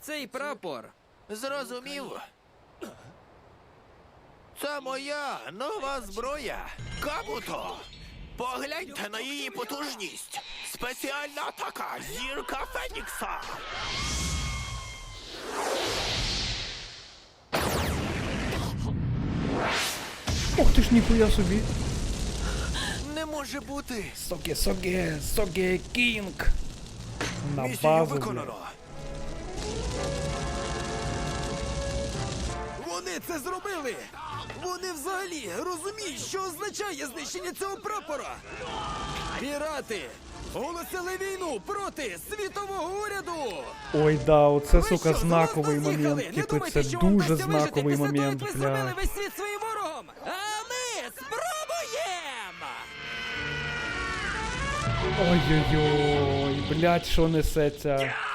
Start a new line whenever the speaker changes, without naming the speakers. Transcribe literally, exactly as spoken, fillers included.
цей прапор.
Зрозумів. Це моя нова зброя. Кабуто! Погляньте на її потужність. Спеціальна атака зірка Фенікса.
Ох ти ж ніхуя собі.
Не може бути.
Соге, соге, соге, кінг. На
Місію
базу,
виконано.
Вони це зробили! Вони взагалі розуміють, що означає знищення цього прапора! Пірати! Оголосили війну проти світового уряду!
Ой, да, оце,
Ви
сука,
що,
знаковий
з глузду з'їхали?
момент.
Не
Типу,
думайте,
це
що вам
дуже
вдасться вижити
знаковий
після того,
момент,
як ви зробили
бля.
весь світ своїм ворогом! А ми спробуємо!
Ой-ой-ой, блядь, що несеться.